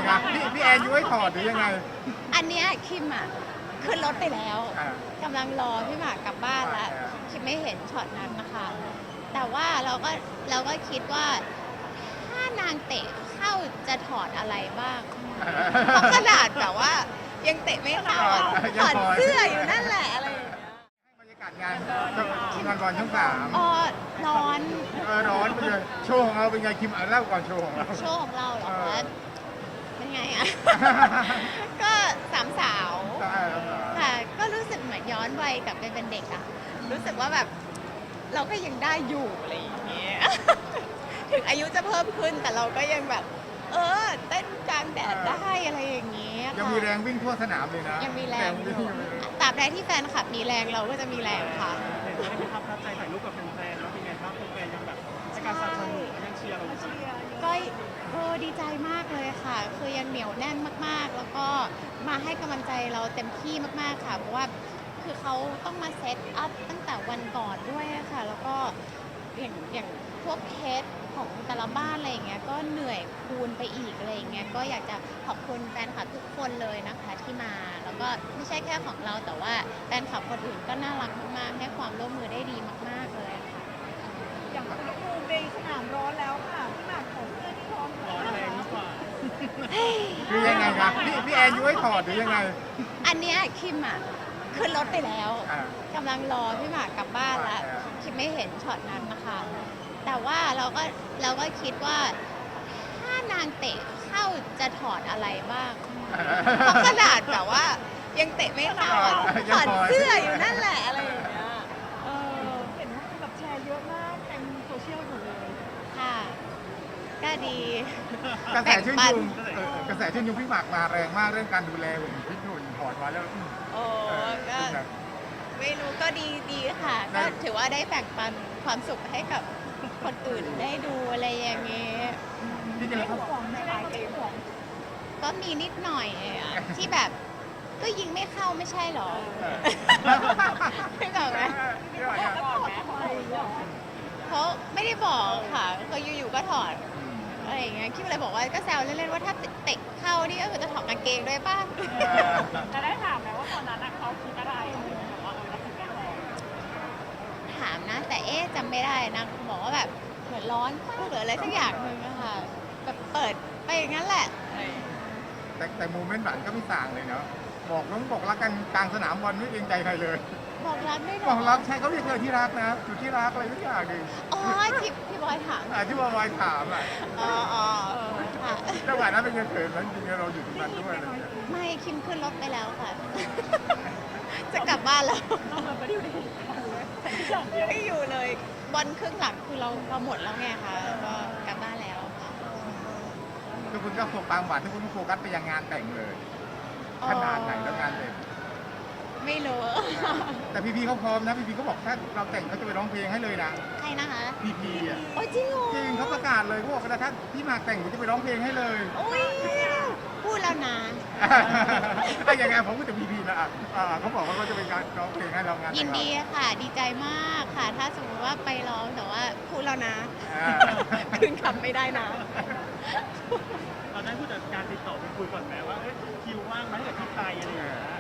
ครับพี่แอนยุ้ยถอดหรือยังไงอันเนี้ยคิมอ่ะขึ้นรถไปแล้วอ่ากำลังรอพี่หมากกลับบ้านแล้วคิมไม่เห็นช็อตนั้นนะคะ แต่ว่าเราก็คิดว่าถ้านางเตะเข้าจะถอดอะไรบ้างเพราะขนาดแบบว่ายังเตะไม่เข้าอะถอดเสื้ออยู่นั่นแหละอะไรอย่างเงี้ยบรรยากาศงานบอลช่องสามอ๋อร้อนร้อนไปเลยโชว์ของเราเป็นไงคิมเล่าก่อนโชว์ของเราโชว์ของเราเหรอคะเป็นไงอะ ก็สามสาวค่ะก็รู้สึกเหมือนย้อนวัยกลับไปเป็นเด็กอะรู้สึกว่าแบบเราก็ยังได้อยู่อะไรอย่างเงี้ย ถึงอายุจะเพิ่มขึ้นแต่เราก็ยังแบบ เต้นกลางแดดได้อะไรอย่างเงี้ยยังมีแรงวิ่งทั่วสนามเลยนะยังมีแรงอยู่ตราบใดที่แฟนคลับมีแรงเราก็จะมีแรงค่ะเห็นว่าได้มีภาพประทับใจถ่ายรูปกับแฟนๆแล้วเป็นไงบ้างแฟนๆยังแบบให้การสนับสนุนยังเชียร์เราอยู่ก็ดีใจมากเลยค่ะ คือยังเหนียวแน่นมากๆ แล้วก็มาให้กำลังใจเราเต็มที่มากๆค่ะ เพราะว่าคือเขาต้องมาเซตอัพตั้งแต่วันก่อนด้วยค่ะ แล้วก็อย่างพวกเคสของแต่ละบ้านอะไรอย่างเงี้ย ก็เหนื่อยคูณไปอีกอะไรอย่างเงี้ย ก็อยากจะขอบคุณแฟนคลับทุกคนเลยนะคะที่มา แล้วก็ไม่ใช่แค่ของเราแต่ว่าแฟนคลับคนอื่นก็น่ารักมากๆ ให้ความร่วมมือได้ดีมากๆเลยค่ะอย่างอุณหภูมิในสนามร้อนแล้วค่ะพี่หมากของเพื่อนที่ร้อนร้อนแรงดีกว่าคือยังไงครับพี่แอนยุ้ยถอดหรือยังไงอันเนี้ยคิมอ่ะขึ้นรถไปแล้วอ่ากำลังรอพี่หมากกลับบ้านแล้ว คิมไม่เห็นช็อตนั้นนะคะ แต่ว่าเราก็คิดว่าถ้านางเตะเข้าจะถอดอะไรบ้างเพราะขนาดแบบว่ายังเตะไม่เข้าอะถอดเสื้ออยู่นั่นแหละอะไรอย่างเงี้ยเออเห็นว่าแบบแชร์เยอะมากเต็มโซเชียลหมดเลยค่ะก็ดีกระแสชื่นแบ่งปัชนมกระแสชื่นชมพี่หมากมาแรงมากเรื่องการดูแลหุ่นพี่หนุ่ยถอดมาแล้วโอ้ก็เป็นไงไม่รู้ก็ดีค่ะได้ก็ถือว่าได้แบ่งปันความสุขให้กับคนอื่นได้ดูอะไรอย่างเงี้ยที่จริงแล้วเขาของในหลายเกมของก็มีนิดหน่อยอะที่แบบก็ยิงไม่เข้าไม่ใช่หรอไม่บอกไหมแล้วถอดทำไมเหรอเขาไม่ได้บอกค่ะเขาอยู่ๆก็ถอดอะไรอย่างเงี้ยคิดอะไรบอกว่าก็แซวเล่นๆว่าถ้าเตะเข้านี่ก็คือจะถอดกางเกงด้วยป่ะจะได้ถามไหมว่าตอนนั้นเขาคิดอะไรแบบว่าเราถึงได้ถอดถามนะ แต่จำไม่ได้นะบอกว่าแบบเหมือนร้อนป้าหรืออะไรสักอย่างหนึ่งอะค่ะแบบเปิดไปอย่างนั้นแหละแต่โมเมนต์หวานก็ไม่ต่างเลยเนาะบอกรักกันกลางสนามบอลไม่เกรงใจใครเลยบอกรักด้วยเหรบออกรักใช่เขาเรียกเธอที่รักนะอยู่ที่รักอะไรทุกอย่างดิอ๋อที่บอยถามที่วายถามอ่ะอ๋อค่ะจังหวะนั้นเป็นยังเขินมันจริงๆเราอยู่ตรงนั้นด้วยอะไรอย่างเงี้ยไม่คิมขึ้นรถไปแล้วค่ะ จะกลับบ้านแล้วต้องแบบไม่ได้อยู่อย่างเดียวไม่อยู่เลยบอลครึ่งหลังคือเราหมดแล้วไงคะก็กลับบ้านแล้วค่ะทุกคนก็โฟกัสความหวานทุกคนก็โฟกัสไปยังงานแต่งเลยขนาดไหนแล้วงานแต่งไม่รู้แต่พีเขาพร้อมนะพีเขาบอกถ้าเราแต่งเขาจะไปร้องเพลงให้เลยนะใครนะคะพีอ่ะโอ้ยจริงเหรอจริงเขาประกาศเลยเขาบอกว่าถ้าพี่หมากแต่งผมจะไปร้องเพลงให้เลยโอ้ยพูดแล้วนะถ้าอย่างไงผมก็จะพีนะเขาบอกว่าเขาจะไปร้องเพลงให้เรางานแต่งยินดีค่ะ ดีใจมากค่ะ ถ้าสมมติว่าไปร้องแต่ว่าพูดแล้วนะ คืนคำไม่ได้นะเราได้ผู้จัดการติดต่อไปคุยก่อนไหมว่าคิวว่างไหมกับที่ไตอะไรอย่างเงี้ย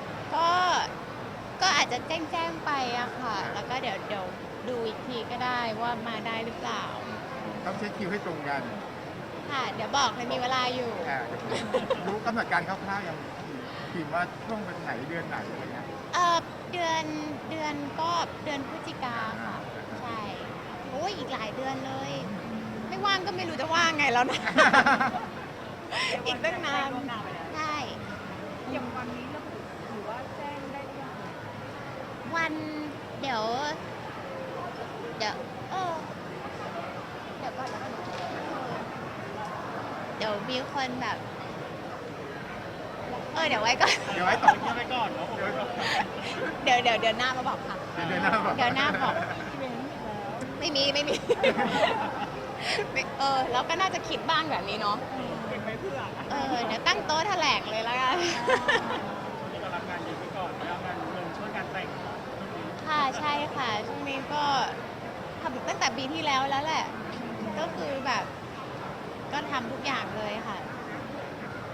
ก็อาจจะแจ้งไปอะค่ะ แล้วก็เดี๋ยวดูอีกทีก็ได้ว่ามาได้หรือเปล่าต้องเช็คคิวให้ตรงกันค่ะ เดี๋ยวบอกเลยมีเวลาอยู่รู้กำหนดการคร่าวๆยังคิดว่าช่วงเป็นไหนเดือนไหนอะไรเงี้ยเดือนก็เดือนพฤศจิกาค่ะ ใช่โอ้ยอีกหลายเดือนเลย ไม่ว่างก็ไม่รู้จะว่างไงแล้วนะ อีกตั้งนานล่วงหน้าไปแล้วใช่อย่างวันนี้ระบุหรือว่าแจ้งได้หรือยังวันเดี๋ยวเดี๋ยวก่อนแล้วเดี๋ยวมีคนแบบ เดี๋ยวไว้ก่อนเดี๋ยวไว้ต่อเงียบไปก่อนเนาะเดี๋ยวหน้ามาบอกค่ะเดือนหน้าบอกเดี๋ยวหน้าบอกอีเวนต์อีกแล้วไม่มีไม่ แล้วก็น่าจะคิดบ้างแบบนี้เนาะเป็นไว้เพื่อเดี๋ยวตั้งโต๊ะแถลงเลยแล้วกันวันนี้ก็รับงานเยอะไปก่อนแล้วงานเงินช่วยการแต่งค่ะใช่ค่ะช่วงนี้ก็ทำตั้งแต่ปีที่แล้วแล้วแหละ ก็คือแบบ ก็ทำทุกอย่างเลยค่ะพ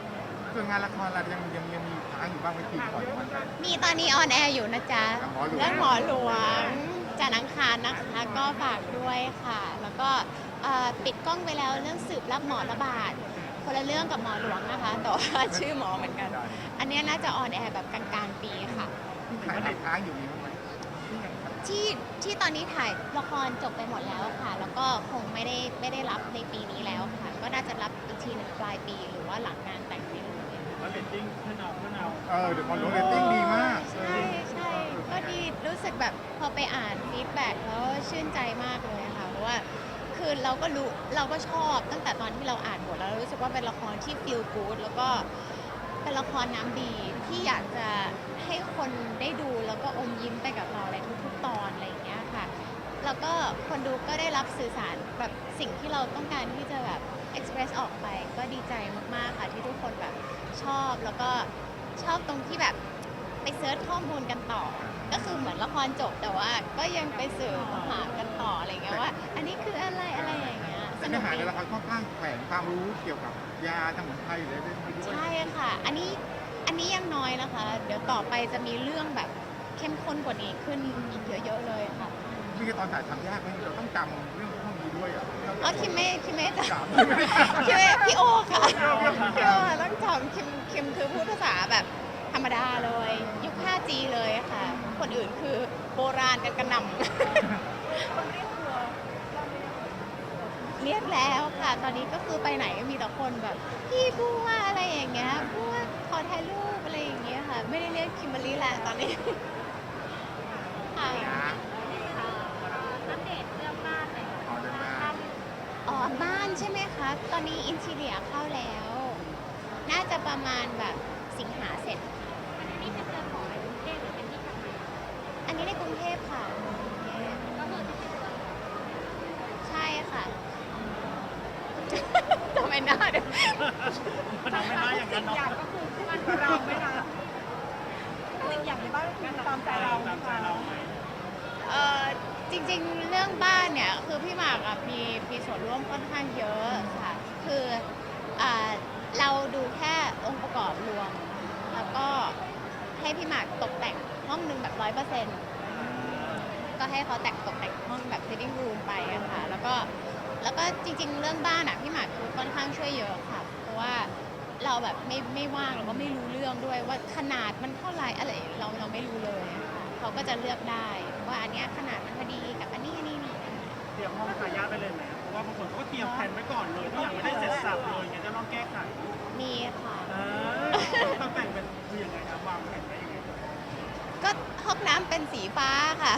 ส่วนงานละครเรายังมีค้างอยู่บ้างไหมคิวก่อนวันนั้นมีตอนนี้ออนแอร์อยู่นะจ๊ะหมอหลวงเรื่องหมอหลวงจันทร์อังคารนะคะ ก็ฝากด้วยค่ะ แล้วก็ปิดกล้องไปแล้วเรื่องสืบรับหมอระบาด คนละเรื่องกับหมอหลวงนะคะ แต่ว่าชื่อหมอเหมือนกัน อันเนี้ยน่าจะออนแอร์แบบกลางๆปีค่ะถ่ายค้างอยู่มีบ้างไหมที่ตอนนี้ถ่ายละครจบไปหมดแล้วค่ะ แล้วก็คงไม่ได้รับในปีนี้แล้วค่ะ ก็น่าจะรับอีกทีหนึ่งปลายปีหรือว่าหลังงานแต่งนี่เลยแล้วเรตติ้งเพื่อนเอาเดี๋ยวหมอหลวงเรตติ้งดีมากใช่ก็ดีรู้สึกแบบพอไปอ่านฟีดแบ็กแล้วชื่นใจมากเลยค่ะเพราะว่าคือเราก็รู้เราก็ชอบตั้งแต่ตอนที่เราอ่านบทแล้วเรารู้สึกว่าเป็นละครที่ feel good แล้วก็เป็นละครน้ำดีที่อยากจะให้คนได้ดูแล้วก็อมยิ้มไปกับเราในทุกๆตอนอะไรอย่างเงี้ยค่ะแล้วก็คนดูก็ได้รับสื่อสารแบบสิ่งที่เราต้องการที่จะแบบ express ออกไปก็ดีใจมากๆค่ะที่ทุกคนแบบชอบแล้วก็ชอบตรงที่แบบไปเซิร์ชข้อมูลกันต่อ ก็คือเหมือนละครจบแต่ว่าก็ยังไปสืบหากันต่ออะไรเงี้ยว่า อันนี้คืออะไรอย่างเงี้ยสแต่นุเนื้อก หาดีในละครค่อนข้างแฝงความรู้เกี่ยวกับยาสมุนไพรหรืออะไรด้วยใช่ค่ะ อันนี้ยังน้อยนะคะ เดี๋ยวต่อไปจะมีเรื่องแบบเข้มข้นกว่านี้ขึ้นอีกเยอะๆเลยค่ะนี่คือตอนถ่ายทำยากไหมเราต้องจำเรื่องพวกนี้ด้วยอ่ะอ๋อคิมไม่จจำำคิมพี่โอค่ะพี่โอค่ะต้องจำคิมคือพูดภาษาแบบธรรมดาเลยยุค 5G เลยค่ะ คนอื่นคือโบราณกันกระหน่ำ เรียกแล้วค่ะ ตอนนี้ก็คือไปไหนก็มีแต่คนแบบพี่บัวอะไรอย่างเงี้ยบัวขอถ่ายรูปอะไรอย่างเงี้ยค่ะ ไม่ได้เรียกคิมเบอรรี่แหละตอนนี้ ค่ะอัปเดตเรื่องบ้านหน่อยอ๋อเดินมาอ๋อบ้านใช่ไหมคะ ตอนนี้อินทีเรียเข้าแล้ว น่าจะประมาณแบบสิงหาเสร็จอันนี้เป็นเรือนหอในกรุงเทพหรือเป็นที่ทำงานอันนี้ในกรุงเทพค่ะกรุงเทพก็คือที่เป็นเรือนหอใช่ค่ะ ทำไมหน้าเดี๋ยวมันทำไม่ได้อย่างนั้นเนาะอย่างก็คือมันเราไม่นะสิ่งอย่างในบ้านคือตามใจเราตามใจเราไหมจริงๆ เรื่องบ้านเนี่ยคือพี่หมากอะมีส่วนร่วมค่อนข้างเยอะค่ะ คือเราดูแค่องค์ประกอบรวม แล้วก็ให้พี่หมากตกแต่งห้องหนึ่งแบบ100%ก็ให้เขาตกแต่งห้องแบบ living room ไปอะค่ะ แล้วก็จริงๆ เรื่องบ้านอะพี่หมากคือค่อนข้างช่วยเยอะค่ะ เพราะว่าเราแบบไม่ว่างเราก็ไม่รู้เรื่องด้วยว่าขนาดมันเท่าไหร่อะไรเราไม่รู้เลยอะค่ะเขาก็จะเลือกได้ว่าอันเนี้ยขนาดมันพอดีกับอันนี้นี่เตรียมห้องทายาทไปเลยไหมเพราะว่าบางคนเขาก็เตรียมแผนไว้ก่อนเลยทุกอย่างไม่ได้เสร็จสับเลยไงจะต้องแก้ไขมีค่ะต้องแต่งเป็นคือยังไงครับวางแผนไว้ยังไงก็ห้องน้ำเป็นสีฟ้าค่ะ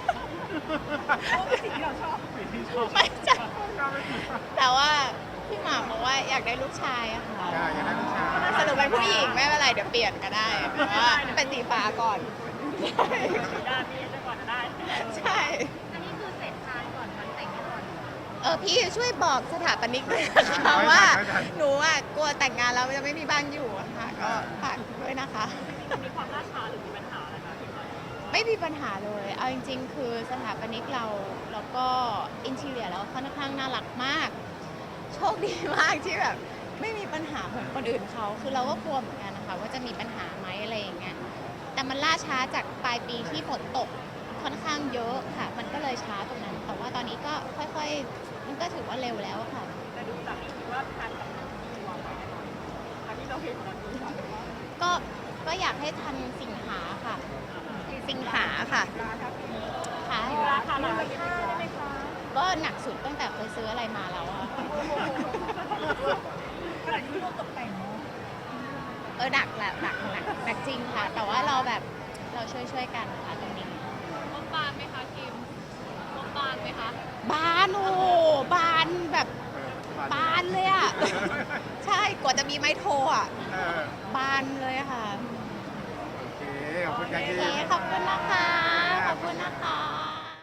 สิ่งที่เราชอบสิ่งที่ชอบไม่ใช่แต่ว่าพี่หมากบอกว่าอยากได้ลูกชายอะค่ะใช่อย่างนั้นใช่สรุปเป็นผู้หญิงไม่เป็นไรเดี๋ยวเปลี่ยนก็ได้แต่ว่าเป็นสีฟ้าก่อนญาติพี่จะก่อนจะได้ใช่อันนี้คือเสร็จทานก่อนวันแต่งก่อนพี่ช่วยบอกสถาปนิกด้วยนะคะว่าหนูอะกลัวแต่งงานแล้วจะไม่มีบ้านอยู่อะค่ะ ก็ฝากด้วยนะคะมีความล่าช้าหรือมีปัญหาอะไรคะที่ว่าไม่มีปัญหาเลย เอาจริงๆ คือสถาปนิกเราแล้วก็อินทีเรียเราค่อนข้างน่ารักมาก โชคดีมากที่แบบไม่มีปัญหาเหมือนคนอื่นเขา คือเราก็กลัวเหมือนกันนะคะว่าจะมีปัญหาไหมอะไรอย่างเงี้ย แต่มันล่าช้าจากปลายปีที่ฝนตกค่อนข้างเยอะค่ะ มันก็เลยช้าตรงนั้น แต่ว่าตอนนี้ก็ค่อยๆ มันก็ถือว่าเร็วแล้วค่ะแต่ดูจากนี้คิดว่าทานกับตัวไปแน่นอนอันที่เราเห็นตอนนี้ค่ะก็อยากให้ทันสิงหาค่ะ สิงหาค่ะค่ะราคาราคาได้ไหมคะก็หนักสุดตั้งแต่เคยซื้ออะไรมาแล้วอะขนาดที่เราตกแต่งเนาะหนักแหละหนักจริงค่ะ แต่ว่าเราแบบเราช่วยกันค่ะตรงนี้งบบานไหมคะคิมงบบานไหมคะบานโอ้โหบานแบบบานเลยอ่ะ ใช่กว่าจะมีไม้โทรอ่ะ บานเลยค่ะโอเค ขอบคุณกันโอที่เคขอบคุณนะคะ ขอบคุณนะคะ